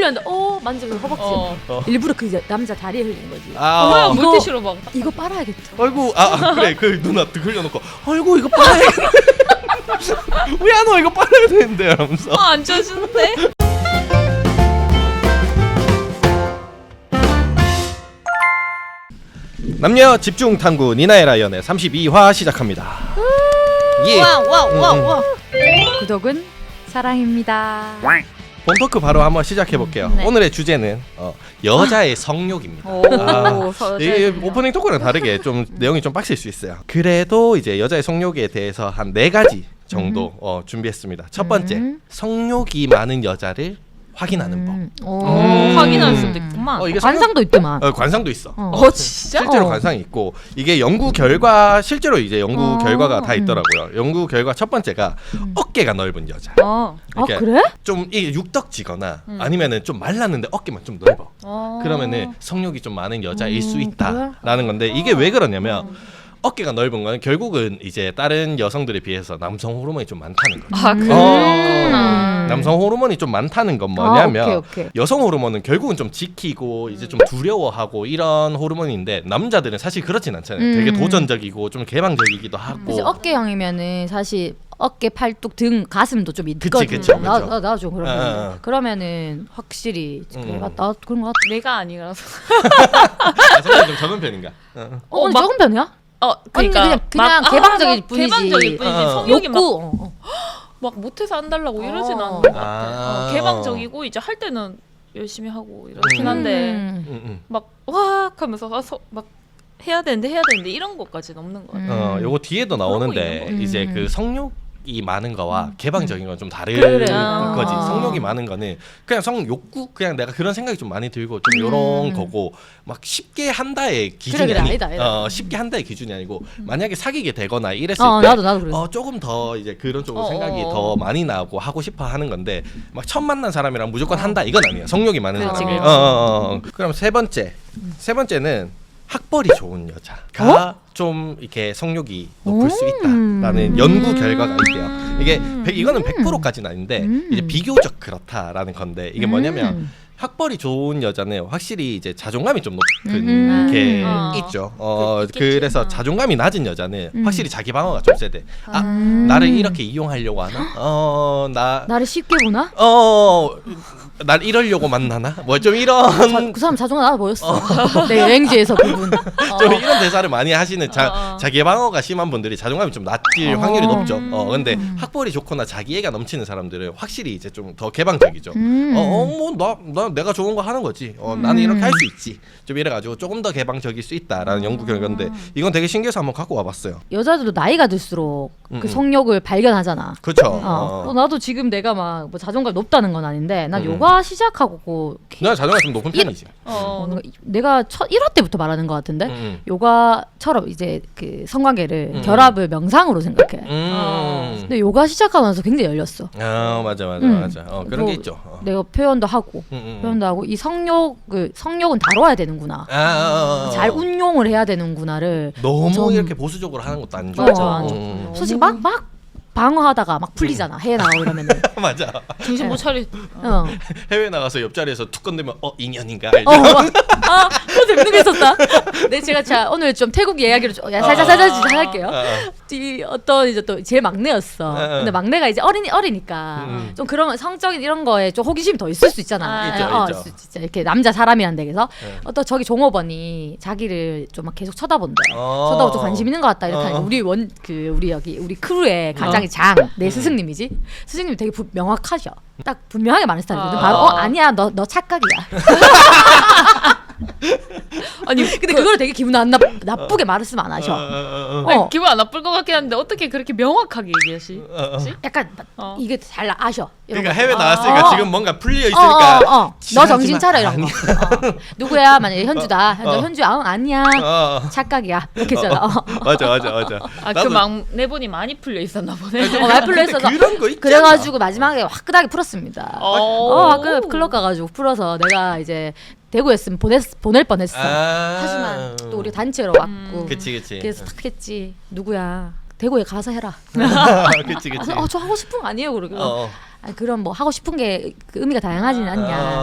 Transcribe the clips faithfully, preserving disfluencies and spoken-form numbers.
흘렸는데 어 만지고 허벅지 어. 어. 일부러 그 남자 다리에 흘린 거지. 아, 뭐야 어. 물티슈로 막. 이거 빨아야겠다. 아이고 아, 아 그래 그 누나 흘려놓고 아이고 이거 빨아야 왜 안 와 이거 빨아야 되는데 이러면서 아, 안 쪄주는데? 남녀 집중 탐구 니나의 라이언의 삼십이 화 시작합니다. 예. 와와와와. 구독은 사랑입니다. 본토크 바로 한번 시작해 볼게요. 네. 오늘의 주제는 어, 여자의 성욕입니다. 오, 아, 서- 이게 서- 오프닝 토크랑 다르게 좀 내용이 좀 빡셀 수 있어요. 그래도 이제 여자의 성욕에 대해서 한 네 가지 정도 어, 준비했습니다. 첫 번째, 음. 성욕이 많은 여자를 확인하는 법. 음. 오. 음. 확인할 수도 있구만. 어, 이게 성욕- 관상도 있더만. 어, 관상도 있어. 어. 어 진짜? 실제로 어. 관상이 있고 이게 연구 결과 실제로 이제 연구 어. 결과가 다 음. 있더라고요. 연구 결과 첫 번째가 음. 어깨가 넓은 여자. 어. 아 이렇게 그래? 좀 이게 육덕지거나 음. 아니면은 좀 말랐는데 어깨만 좀 넓어. 어. 그러면은 성욕이 좀 많은 여자일 음, 수 그래? 있다라는 건데 이게 왜 그러냐면 어깨가 넓은 건 결국은 이제 다른 여성들에 비해서 남성 호르몬이 좀 많다는 거죠. 아 그래. 어. 남성 호르몬이 좀 많다는 건 뭐냐면 아, 오케이, 오케이. 여성 호르몬은 결국은 좀 지키고 이제 좀 두려워하고 이런 호르몬인데 남자들은 사실 그렇진 않잖아요. 음. 되게 도전적이고 좀 개방적이기도 하고. 이제 어깨형이면은 사실 어깨, 팔뚝, 등, 가슴도 좀 있거든. 그치, 그쵸, 나, 그쵸. 나, 나도 좀 그러면 어, 어, 어. 그러면은 확실히 음. 그래, 나, 나 그런 거 같아. 내가 아니라서. 아, 성격이 좀 적은 편인가? 어. 어, 언니 막- 적은 편이야? 어 그러니까 그냥- 그냥 막- 개방적일 막 뿐이지. 개방적일 뿐이지. 어. 성욕이 막, 욕구. 어, 어. 막 못해서 안 달라고 이러진 어. 않는 것 같아. 아. 어, 개방적이고 이제 할 때는 열심히 하고 이렇긴 한데 음. 음, 음. 막 와악 하면서 와서 막 해야 되는데 해야 되는데 이런 것까지는 없는 것 같아. 음. 어, 요거 뒤에도 나오는데 그런 거 이제 있는 거. 그 성욕이 많은 거와 개방적인 건 좀 다른 그래. 거지. 아. 성욕이 많은 거는 그냥 성욕구 그냥 내가 그런 생각이 좀 많이 들고 좀 요런 음. 거고 막 쉽게 한다의 기준이 그래, 아니 아니다, 아니다. 어, 쉽게 한다의 기준이 아니고 만약에 사귀게 되거나 이랬을 어, 때 나도 나도 그랬어. 어, 조금 더 이제 그런 쪽으로 어, 생각이 어, 어. 더 많이 나고 하고 싶어 하는 건데 막 처음 만난 사람이랑 무조건 한다 이건 아니에요. 성욕이 많은 그렇지, 사람이. 어, 그렇지. 어, 어, 어. 그럼 세 번째. 세 번째는 학벌이 좋은 여자가 좀 이렇게 성욕이 높을 수 있다라는 음. 연구 결과가 있대요. 이게 백- 이거는 백 퍼센트까지는 아닌데 음. 이제 비교적 그렇다라는 건데 이게 뭐냐면 음. 학벌이 좋은 여자는 확실히 이제 자존감이 좀 높은 음. 게 어. 있죠. 어, 그- 있겠지. 그래서 어. 자존감이 낮은 여자는 음. 확실히 자기 방어가 좀 세대. 아, 음. 나를 이렇게 이용하려고 하나? 어, 나 나를 쉽게 보나? 어, 날 이러려고 만나나? 뭐 좀 이런 자, 그 사람 자존감 나도 보였어. 내 여행지에서 그분. 좀 이런 대사를 많이 하시는 자, 어, 어. 자기 방어가 심한 분들이 자존감이 좀 낮을 어. 확률이 높죠. 어, 근데 음. 학벌이 좋거나 자기애가 넘치는 사람들은 확실히 이제 좀 더 개방적이죠. 음. 어, 어, 뭐, 나, 나 내가 좋은 거 하는 거지. 어, 나는 이렇게 할 수 있지. 좀 이래가지고 조금 더 개방적일 수 있다라는 연구 결과인데 이건 되게 신기해서 한번 갖고 와봤어요. 여자들도 나이가 들수록 음, 그 음. 성욕을 발견하잖아. 그렇죠. 어. 어, 나도 지금 내가 막 뭐 자존감 높다는 건 아닌데 난 음. 요가 시작하고 그 나 자존감 좀 높은 편이지. 어, 어, 내가 첫 일 화 때부터 말하는 것 같은데 음, 음. 요가처럼 이제 그 성관계를 음. 결합을 명상으로 생각해. 음. 근데 요가 시작하면서 굉장히 열렸어. 아 맞아 맞아 음. 맞아. 어, 그런 뭐 게 있죠. 어. 내가 표현도 하고 음, 음, 음. 표현도 하고 이 성욕을 성욕은 다뤄야 되는구나. 아, 아, 아, 잘 어. 운용을 해야 되는구나를 너무 좀- 이렇게 보수적으로 하는 것도 안 맞아, 좋죠. 안 좋죠. 음. 솔직히 막 막 방어하다가 막 풀리잖아. 해외 나가고 이러면은. 맞아. 정신 못 차리. 어. 해외 나가서 옆자리에서 툭 건들면 어 인연인가? 어, 막, 아, 또 재밌는 게 있었다. 네, 제가 자 오늘 좀 태국 이야기를 좀 야, 살짝 살짝 살짝 할게요. 아, 아. 이 어떤 이제 또 제일 막내였어. 아, 아. 근데 막내가 이제 어린 어리니까 음. 좀 그런 성적인 이런 거에 좀 호기심이 더 있을 수 있잖아. 아, 있죠, 어, 있죠. 진짜 이렇게 남자 사람이란 데에서 네. 어떤 저기 종업원이 자기를 좀 막 계속 쳐다본대. 어. 쳐다보고 좀 관심 있는 것 같다 이렇게 어. 하니까 우리 원 그 우리 여기 우리 크루의 가장이 장 내 스승님이지. 스승님이 되게 부, 명확하셔. 딱 분명하게 말하는 스타일이거든. 아. 바로 어 아니야 너 너 착각이야. 아니 근데 그걸 되게 기분 안 나, 나쁘게 말했으면 안 어, 하셔. 어, 어, 어. 어. 아니, 기분 안 나쁠 것 같긴 한데 어떻게 그렇게 명확하게 얘기하시? 어, 어. 약간 어. 이게 잘 아셔. 이런 그러니까 거. 해외 나왔으니까 어. 지금 뭔가 풀려 어, 있으니까 어, 어. 너 지나가지 정신 마. 차려 이런 거. 어. 누구야? 만약에 현주다. 현주, 어. 현주 아, 아니야. 어, 어. 착각이야. 이렇게 했잖아. 어. 맞아 맞아 맞아. 아 그 나도- 막내분이 많이 풀려 있었나 보네. 어, 말풀로 근데 했어서 그런 거 있지 그래가지고 마지막에 화끈하게 풀었습니다. 어, 어, 그 클럽 가가지고 풀어서 내가 이제 대구였으면 보냈 보낼 뻔했어. 아. 하지만 또 우리 단체로 왔고. 그치 그치. 그래서 딱 했지. 누구야? 대구에 가서 해라. 그치 그치. 아, 저 하고 싶은 거 아니에요, 그러고. 어. 아, 그럼 뭐 하고 싶은 게그 의미가 다양하진 않냐. 아. 그래서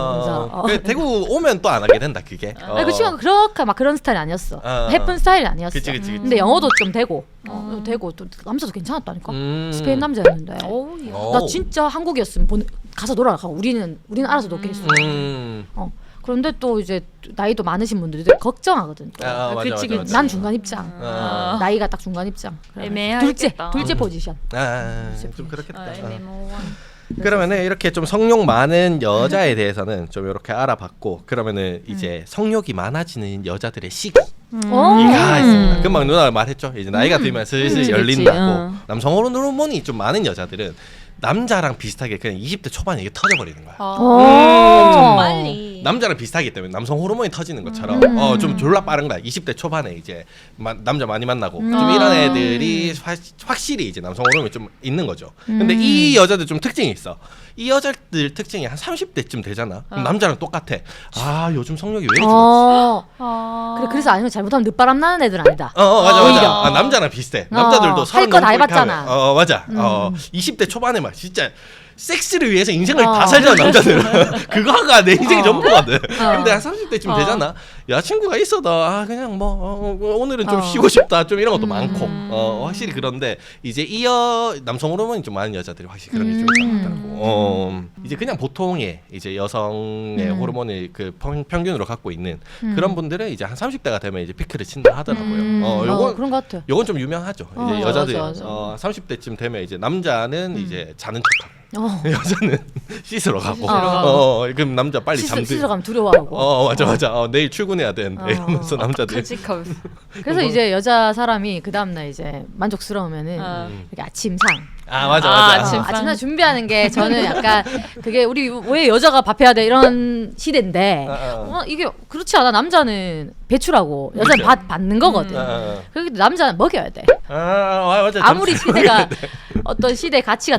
어, 어. 그 대구 오면 또 안 하게 된다 그게. 어. 아니, 그 친구가 그렇게 막 그런 스타일이 아니었어. 어. 예쁜 스타일이 아니었어. 그치 그치 그치. 근데 영어도 좀 되고, 어, 되고 또 남자도 괜찮았다니까. 음. 스페인 남자였는데. 어우, 야. 어. 나 진짜 한국이었으면 보내, 가서 놀아가. 우리는 우리는 알아서 놀겠어. 음. 어. 그런데 또 이제 나이도 많으신 분들이 되게 걱정하거든. 또. 아, 아, 맞아, 그치, 맞아, 그치. 맞아. 난 중간 입장. 어. 나이가 딱 중간 입장. 그래. 애매하겠다. 둘째, 둘째 포지션. 아, 좀 그렇겠다. 아, 어. 애매모호한. 그러면은 이렇게 좀 성욕 많은 여자에 대해서는 좀 이렇게 알아봤고, 그러면은 이제 성욕이 많아지는 여자들의 시기 어. 이가 있습니다. 금방 누나가 말했죠. 이제 나이가 들면 슬슬 그치, 열린다고. 그치. 어. 남성 호르몬이 좀 많은 여자들은 남자랑 비슷하게 그냥 이십 대 초반에 이게 터져버리는 거야. 아, 오. 좀 빨리. 남자랑 비슷하기 때문에 남성 호르몬이 터지는 것처럼 음. 어, 좀 졸라 빠른 거야. 이십 대 초반에 이제 마, 남자 많이 만나고 음. 좀 아. 이런 애들이 화, 확실히 이제 남성 호르몬이 좀 있는 거죠. 근데 음. 이 여자들 좀 특징이 있어. 이 여자들 특징이 한 삼십 대쯤 되잖아. 그럼 어. 남자랑 똑같아. 아 요즘 성욕이 왜 이렇게 좋지? 어. 아. 그래, 그래서 아니면 잘못하면 늦바람 나는 애들 아니다. 어, 어 맞아 오히려. 맞아. 아, 남자랑 비슷해. 어, 남자들도 할 서른 거다 넘고 이렇게 해봤잖아. 하면, 어 맞아. 음. 어 이십 대 초반에 막 진짜 섹스를 위해서 인생을 어. 다 살잖아 남자들은. 그거가 내 인생의 어. 전부거든. 어. 근데 한 삼십 대쯤 어. 되잖아. 여자친구가 있어도 아 그냥 뭐 어, 어, 오늘은 좀 어. 쉬고 싶다 좀 이런 것도 음. 많고 어 확실히 그런데 이제 이어 남성 호르몬이 좀 많은 여자들이 확실히 그런 게 좀 음. 있다고. 어 이제 그냥 보통의 이제 여성의 음. 호르몬을 그 평, 평균으로 갖고 있는 음. 그런 분들은 이제 한 삼십 대가 되면 이제 피크를 친다 하더라고요. 음. 어 어, 요건 그런 것 같아. 요건 좀 유명하죠. 어, 이제 여자들 맞아, 맞아. 어 삼십 대쯤 되면 이제 남자는 이제 자는 척하고 어. 여자는 씻으러 가고 씻으러 어, 가고. 어, 그럼 남자 빨리 씻- 잠들 씻으러 가면 두려워하고. 어 맞아 맞아 어, 내일 출근해야 되는데 어. 이러면서 남자들 끔찍하면서. 그래서 이제 여자 사람이 그 다음날 이제 만족스러우면은 어. 이렇게 아침상. 아 맞아 아, 맞아 아침- 어, 아침상 준비하는 게 저는 약간 그게 우리 왜 여자가 밥해야 돼 이런 시대인데 어, 어. 어, 이게 그렇지 않아. 남자는 배출하고 여자는 그렇죠. 밥 받는 거거든. 어, 어. 그렇기 때문에 남자는 먹여야 돼. 아, 아 맞아 아무리 잠시- 시대가 어떤 시대 가치가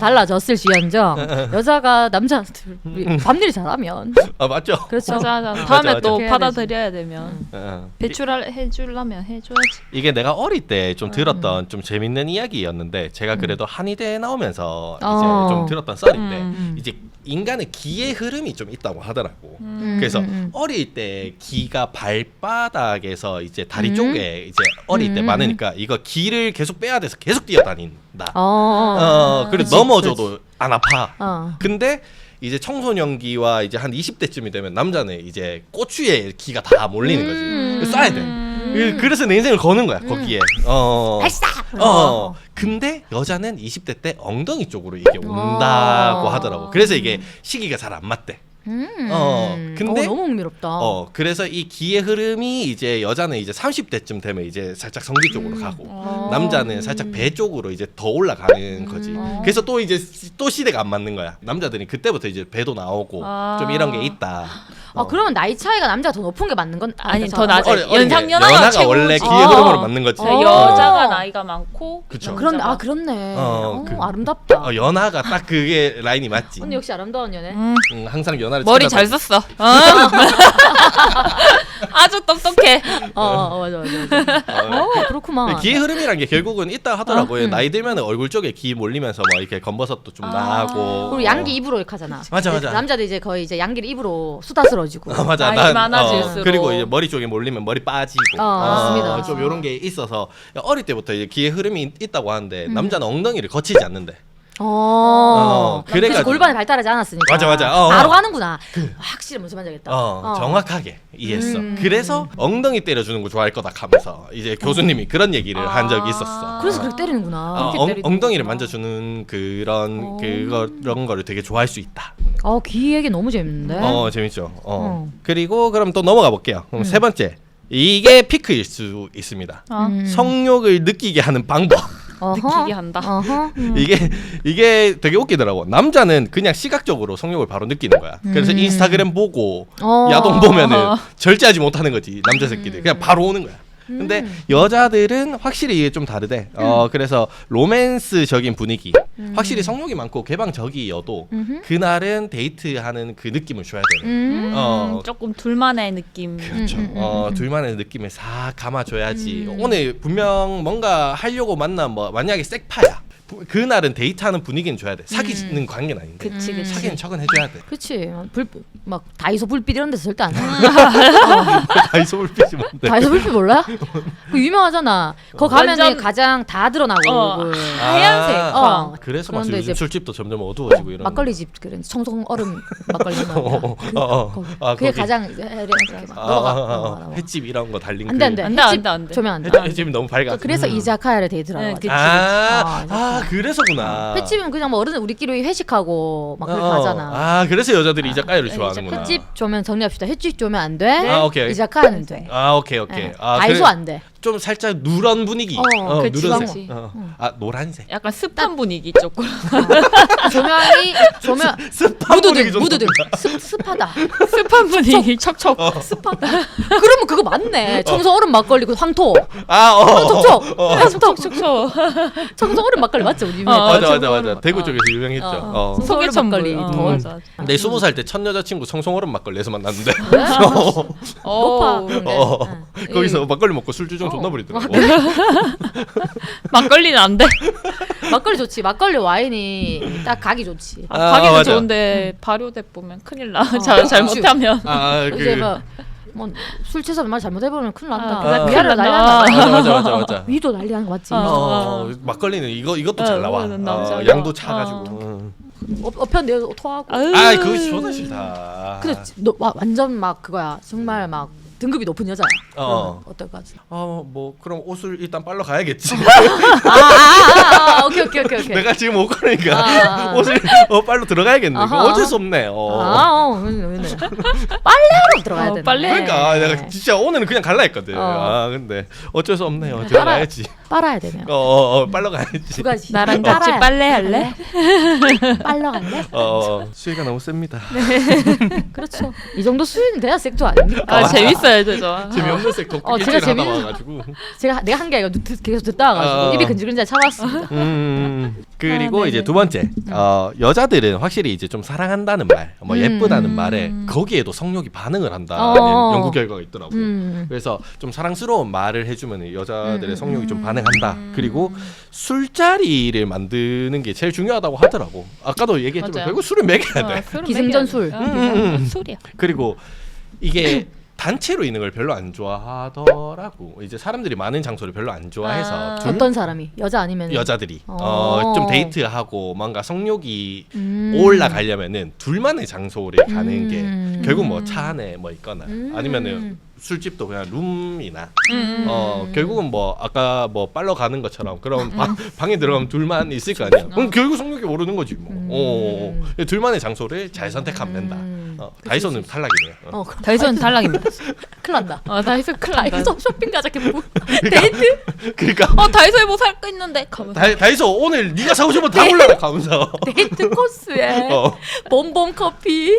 달라졌을지언정 여자가 남자한테 밤일 잘하면 아 맞죠 그렇죠. 맞아, 맞아. 다음에 맞아. 또 해야 받아들여야 되면 어. 배출할 해주려면 해줘야지. 이게 내가 어릴 때 좀 들었던 좀 재밌는 이야기였는데 제가 그래도 한의대에 나오면서 이제 어. 좀 들었던 썰인데 음. 이제 인간의 기의 흐름이 좀 있다고 하더라고. 음, 그래서 음, 음. 어릴 때 기가 발바닥에서 이제 다리 음. 쪽에 이제 어릴 때 음. 많으니까 이거 기를 계속 빼야 돼서 계속 뛰어다닌다. 어, 어, 그래 그치, 넘어져도 안 아파. 어. 근데 이제 청소년기와 이제 한 이십 대쯤이 되면 남자는 이제 꼬추에 기가 다 몰리는 거지. 음. 그래서 쏴야 돼. 그- 그래서 내 인생을 거는 거야 거기에. 어. 발사. 어. 근데 여자는 이십 대 때 엉덩이 쪽으로 이게 온다고 어. 하더라고. 그래서 이게 시기가 잘 안 맞대. 음. 어, 근데- 어, 너무 흥미롭다. 어. 그래서 이 기의 흐름이 이제 여자는 이제 삼십 대쯤 되면 이제 살짝 성기 쪽으로 가고 어. 남자는 살짝 배 쪽으로 이제 더 올라가는 거지. 음. 그래서 또 이제 시- 또 시대가 안 맞는 거야. 남자들이 그때부터 이제 배도 나오고 아. 좀 이런 게 있다. 아 그러면 나이 차이가 남자가 더 높은 게 맞는 건 아니, 아니다, 더 저- 낮아. 어리- 어린 게 연상 연하가 연하가 최고지. 원래 기의 아. 흐름으로 맞는 거지. 어. 네, 여자가 나이가 많고 그쵸. 남자가- 그런데 아 그렇네. 어, 어, 그- 아름답다. 어, 연하가 딱 그게 라인이 맞지. 언니 역시 아름다운 연애. 음, 응, 항상 연하를 머리 잘 쳐다보고. 썼어. 어? 아주 똑똑해. 어, 어 맞아 맞아. 맞아. 어 그렇구만. 기의 흐름이란 게 결국은 있다 하더라고요. 어? 음. 나이 들면 얼굴 쪽에 기 몰리면서 막 이렇게 검버섯도 좀 아. 나고. 그리고 양기 입으로 이렇게 하잖아. 맞아, 맞아. 남자들 이제 거의 이제 양기를 입으로 수다스러지고. 어, 맞아. 나이 난, 많아질수록. 어, 그리고 이제 머리 쪽에 몰리면 머리 빠지고. 어, 맞습니다. 좀 이런 게 있어서 어릴 때부터 이제 기의 흐름이 있- 있다고 하는데 음. 남자는 엉덩이를 거치지 않는데. 어. 어, 그래서 그래가지고- 골반이 발달하지 않았으니까. 맞아, 맞아. 어, 바로 어. 하는구나. 확실히 무슨 말인지 알겠다. 어, 어. 정확하게 이해했어. 음. 그래서 엉덩이 때려주는 거 좋아할 거다 하면서 이제 교수님이 그런 얘기를 한 적이 있었어. 그래서 그렇게 때리는구나. 어, 그렇게 엉, 때리는구나. 엉덩이를 만져주는 그런 어. 그거 그런 거를 되게 좋아할 수 있다. 어, 귀 얘기 너무 재밌는데. 어 재밌죠. 어. 어. 그리고 그럼 또 넘어가 볼게요. 그럼 음. 세 번째 이게 피크일 수 있습니다. 어. 음. 성욕을 느끼게 하는 방법. 어허. 느끼게 한다. 어허. 음. 이게 이게 되게 웃기더라고. 남자는 그냥 시각적으로 성욕을 바로 느끼는 거야. 그래서 음. 인스타그램 보고 어. 야동 보면은 어. 절제하지 못하는 거지 남자 새끼들. 그냥 바로 오는 거야. 근데 음. 여자들은 확실히 이게 좀 다르대. 어 그래서 로맨스적인 분위기, 음. 확실히 성욕이 많고 개방적이어도 음흠. 그날은 데이트하는 그 느낌을 줘야 되는. 음. 어. 음, 조금 둘만의 느낌. 그렇죠. 음, 음, 음, 어, 음. 둘만의 느낌을 싹 감아줘야지. 음. 오늘 분명 뭔가 하려고 만난 뭐 만약에 색파야. 부- 그날은 데이트하는 분위기는 줘야 돼. 사귀는 음. 관계는 아닌데. 그치 음. 그치. 사귀는 척은 해줘야 돼. 그치. 불, 막 다이소 불빛 이런 데서 절대 안 해. 다이소 불빛이 뭔데? 다이소 불빛 몰라? 그 유명하잖아. 거 가면은 완전- 가장 다 드러나고. 어, 그 하얀색. 아, 어. 그래서 막 그런데 요즘 이제 술집도 점점 어두워지고 이런. 막걸리 집 그런 청송 얼음 막걸리 어, 어, 그, 어, 어. 거기. 아, 그게 거기. 가장 이제 이렇게 막 아, 넘어가. 아, 아, 넘어가, 아. 넘어가. 햇집 이런 거 달린 안돼 안돼. 안 돼, 안 돼, 안 돼. 조면 안 돼. 햇, 햇집이 너무 밝아. 그래서 이자카야를 데이트라고 네, 하지. 그치. 아, 아, 아, 그래서구나. 횟집은 그냥 뭐 어른 우리끼리 회식하고 막 그렇게 어, 하잖아. 아, 그래서 여자들이 이자카야를 네, 좋아하는구나. 횟집 조면 정리합시다. 횟집 조면 안 돼. 아, 오케이. 이자카야는 돼. 아, 오케이, 오케이. 네. 아, 다이소 그래- 안 돼. 좀 살짝 누런 분위기. 어, 그치, 누런색. 그치. 어. 아, 노란색. 약간 습한 분위기 조금. 조명이 조명 습한 분위기 무드등 좀 무드등 납니다. 습 습하다. 습한 분위기 척척. 습하다. 그러면 그거 맞네. 청소 얼음 막걸리 그 황토. 아, 어. 어, 촉촉. 어. 황토. 척척. 청소 얼음 막걸리 맞죠? 우리 어, 유명했던. 맞아, 맞아, 청소 맞아. 얼음. 대구 어. 쪽에서 유명했죠. 어. 어. 소- 소개천물. 막걸리 어, 더. 맞아. 내 스무 살 때 첫 여자친구 청송얼음 막걸리에서 만났는데 높아. 오. 근데. 어. 응. 거기서 막걸리 먹고 술주정 어. 존나 부리더라고. 막걸리는 안 돼. 막걸리 좋지. 막걸리 와인이 딱 가기 좋지. 아, 아, 가기는 맞아. 좋은데 발효돼 보면 큰일 나. 어, 잘 잘못하면. 아, 이제 그 뭐술 취해서 말 잘못해보면 큰일 난다. 아, 그래, 위아래 큰일 난리 난다. 난다. 맞아, 맞아, 맞아, 맞아. 위도 난리 나는 거 맞지? 어. 어, 막걸리는 이거 이것도 잘 어, 나와. 어, 너무 잘 어, 나와. 양도 차가지고. 어. 응. 어, 어편 내어 토하고. 아유. 아, 그거 존나 싫다. 근데 너 와, 완전 막 그거야. 정말 막 등급이 높은 여자야. 어. 어. 어떨까지? 어, 뭐 그럼 옷을 일단 빨러 가야겠지. 아, 아, 아, 아, 오케이 오케이 오케이 오케이. 내가 지금 옷 거니까 아, 아. 옷을 어, 빨러 들어가야겠네. 그거 아하. 어쩔 수 없네. 어. 아, 어, 왜냐 왜냐. 빨래하러 들어가야 어, 돼. 빨래. 그러니까 내가 진짜 오늘은 그냥 갈라 했거든. 어. 아 근데 어쩔 수 없네요. 들어가야지. 빨아야 되네요. 어, 어, 어 빨러 가야지. 두 가지. 나랑 같이 빨아야- 빨래 할래? 빨러 갈래? 어, 어, 수위가 너무 셉니다. 그렇죠. 이 정도 수준이 돼야 섹터 아닙니까? 아 재밌어야 되죠. 재미없는 섹터 어, 일주일 제가 하다 재밌는- 와가지고. 제가 내가 한 게 아니라 듣- 계속 듣다 와가지고 어. 입이 근질근질 참았습니다. 음, 그리고 아, 이제 네네. 두 번째, 어, 여자들은 확실히 이제 좀 사랑한다는 말, 뭐 음. 예쁘다는 말에 거기에도 성욕이 반응을 한다는 어. 연구 결과가 있더라고. 음. 그래서 좀 사랑스러운 말을 해주면 여자들의 음, 성욕이 좀 반응한다. 그리고 술자리를 만드는 게 제일 중요하다고 하더라고. 아까도 얘기했지만 맞아요. 결국 술을 먹여야 돼. 어, 술은 기승전술. 먹여야 돼. 어, 음, 음, 음. 술이야. 그리고 이게 단체로 있는 걸 별로 안 좋아하더라고. 이제 사람들이 많은 장소를 별로 안 좋아해서 아. 둘- 어떤 사람이 여자 아니면 여자들이 어. 어, 좀 데이트하고 뭔가 성욕이 음. 올라가려면은 둘만의 장소를 가는 음. 게 결국 뭐 차 안에 뭐 있거나 음. 아니면은 술집도 그냥 룸이나 음. 어 결국은 뭐 아까 뭐 빨러 가는 것처럼 그럼 음. 방, 방에 들어가면 둘만 있을 거 아니야. 그럼 결국 성욕이 오르는 거지 뭐. 음. 어, 어. 둘만의 장소를 잘 선택하면 된다. 음. 어, 다이소는 탈락이네요. 어. 어, 그럼 다이소는 탈락입니다. 큰일 난다. 어 다이소 큰일 난다. 다이소 쇼핑 가자 뭐 데이트 그러니까 어 다이소에 뭐 살 거 있는데 가면서. 다, 다이소 오늘 네가 사고 싶은 다 골라라 가면서. 데이트 코스에 어. 봄봄 커피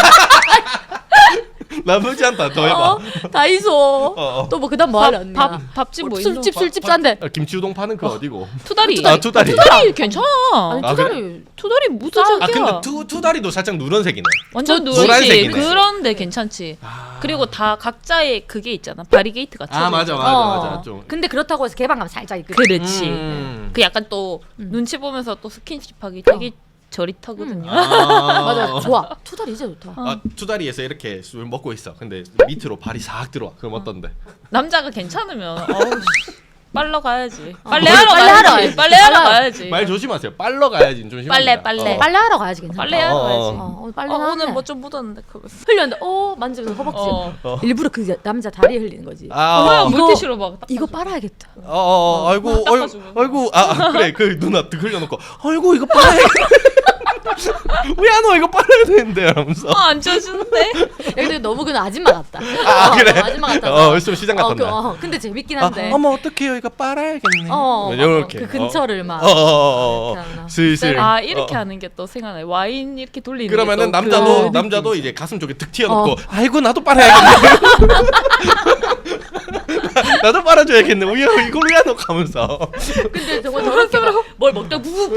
나쁘지 않다. 더 해봐. 어, 다이소 어, 어. 또 뭐 그다음 뭐 밥, 하려 언니 밥 밥집 뭐 있노? 술집 밥- 술집 밥- 싼데 아, 김치우동 파는 그 어디고? 투다리. 아, 투다리. 투다리 괜찮아. 아니 아, 투자를 투다리 무슨 아 저기야. 근데 투 투다리도 살짝 누런색이네. 완전 저- 누런지 노란색이네. 그런데 괜찮지. 그리고 다 각자의 그게 있잖아. 바리게이트 같은. 아 맞아 맞아 어. 맞아 좀. 근데 그렇다고 해서 개방감 살짝 있거든. 그렇지. 음. 그 약간 또 눈치 보면서 또 스킨십하기 되게 저릿하거든요. 아, 맞아 좋아 투자리 진짜 좋다. 아 투다리에서 이렇게 술 먹고 있어. 근데 밑으로 발이 싹 들어와. 그럼 어떤데? 남자가 괜찮으면 어우 씨, 빨러 가야지. 어. 빨래하러 빨래하러 가야지. 가야지. 빨래하러 빨래- 가야지. 말 조심하세요. 빨러 가야지 좀 심합니다. 빨래, 빨래. 어. 빨래하러 가야지 괜찮아. 빨래하러 어, 가야지. 어. 어, 오늘 빨래 어, 나왔네. 오늘 뭐 좀 묻었는데 그러면서. 흘렸는데 어 만지면서 허벅지. 어. 어. 일부러 그 여- 남자 다리에 흘리는 거지. 아, 뭐야 어, 이거- 물티슈로 막. 닦아줘. 이거 빨아야겠다. 어, 어, 어, 아이고, 아이고, 닦아주고. 아이고, 아, 아, 그래, 그 누나 득 흘려놓고, 아이고, 이거 빨아야 왜 안 와? 이거 빨아야 되는데, 이러면서. 어, 안 쪄주는데? 여기 너무 그냥 아줌마 같다. 아, 어, 그래? 너무 아줌마 같다. 어, 좀 시장 어, 같았나? 그, 어, 근데 재밌긴 아, 한데. 어머, 어떡해요? 이거 빨아야겠네. 어, 이렇게. 그 근처를 막. 어, 어, 어, 어, 이렇게 하나. 슬슬. 아 이렇게 어. 하는 게 또 생각나요. 와인 이렇게 돌리는 그러면은 게 또 남자도 그 남자도 느낌이죠. 이제 가슴 쪽에 득 튀어놓고 어. 아이고 나도 빨아야겠네. 나도 빨아줘야겠네. 우야 이걸 왜 놓고 하면서. 근데 정말 더럽게 막 뭘 먹다 부부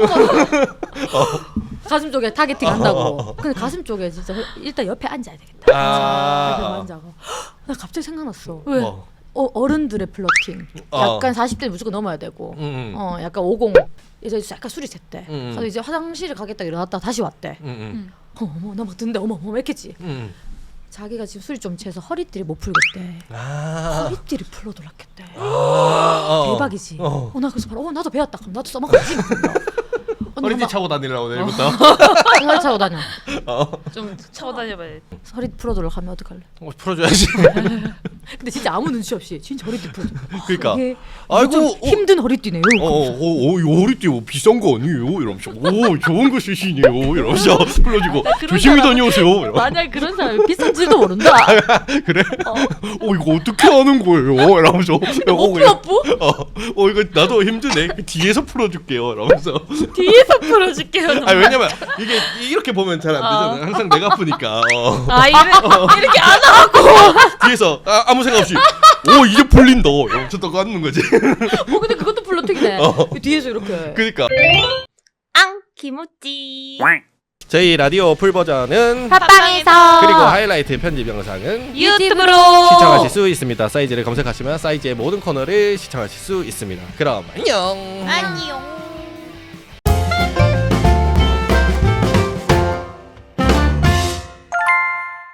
가슴 쪽에 타겟팅 한다고. 근데 가슴 쪽에 진짜 일단 옆에 앉아야 되겠다. 옆에 아. 앉아고. 나 갑자기 생각났어. 왜? 뭐. 어, 어른들의 플러팅. 어. 약간 사십 대 무조건 넘어야 되고. 음, 음. 어, 약간 오십. 이제 약간 술이 챘대. 음. 그래서 이제 화장실에 가겠다 일어났다 다시 왔대. 음, 음. 어, 어머 나 막 듣는데 어머 어머 했겠지. 음. 자기가 지금 술이 좀 취해서 허리띠를 못 풀겠대. 아. 허리띠를 풀어 돌았겠대. 아, 어. 대박이지. 어. 어, 나 그래서 바로 어 나도 배웠다. 그럼 나도 써먹어야지. 허리띠 차고 다니려고 내일부터. 허리 차고 다녀. 어. 좀 차고 다녀봐야 돼. 허리 풀어돌아 가면 어떡할래? 어, 풀어줘야지. 근데 진짜 아무 눈치 없이 진짜 허리띠 풀어줘. 그러니까. 이게 아이고, 좀 어. 힘든 허리띠네요. 어, 어, 어, 이 허리띠 뭐 비싼 거 아니에요? 이러면서 오 좋은 거 쓰시네요. 이러면서 불러주고 그런 조심히 사람- 다녀오세요. 이러면서. 만약 그런 사람이 비싼지도 모른다. 그래? 어. 이거 어떻게 하는 거예요? 이러면서 못 풀어 뿌? 어, 어 이거 나도 힘드네. 그 뒤에서 풀어줄게요. 이러면서. 뒤에서 풀어줄게요. 아 왜냐면 이게 이렇게 보면 잘 안 되잖아요. 항상 내가 아프니까. 어. 아 이래, 이렇게 안 하고. 뒤에서 아, 아무 생각 없이 오 이제 풀린다. 이러면서 또 갖는 거지. 어 근데 그것도 플러팅이네. 어. 뒤에서 이렇게. 그러니까 앙 김우찌. 저희 라디오 풀 버전은 팟빵에서 그리고 하이라이트 편집 영상은 유튜브로 시청하실 수 있습니다. 사이즈를 검색하시면 사이즈의 모든 코너를 시청하실 수 있습니다. 그럼 안녕. 안녕.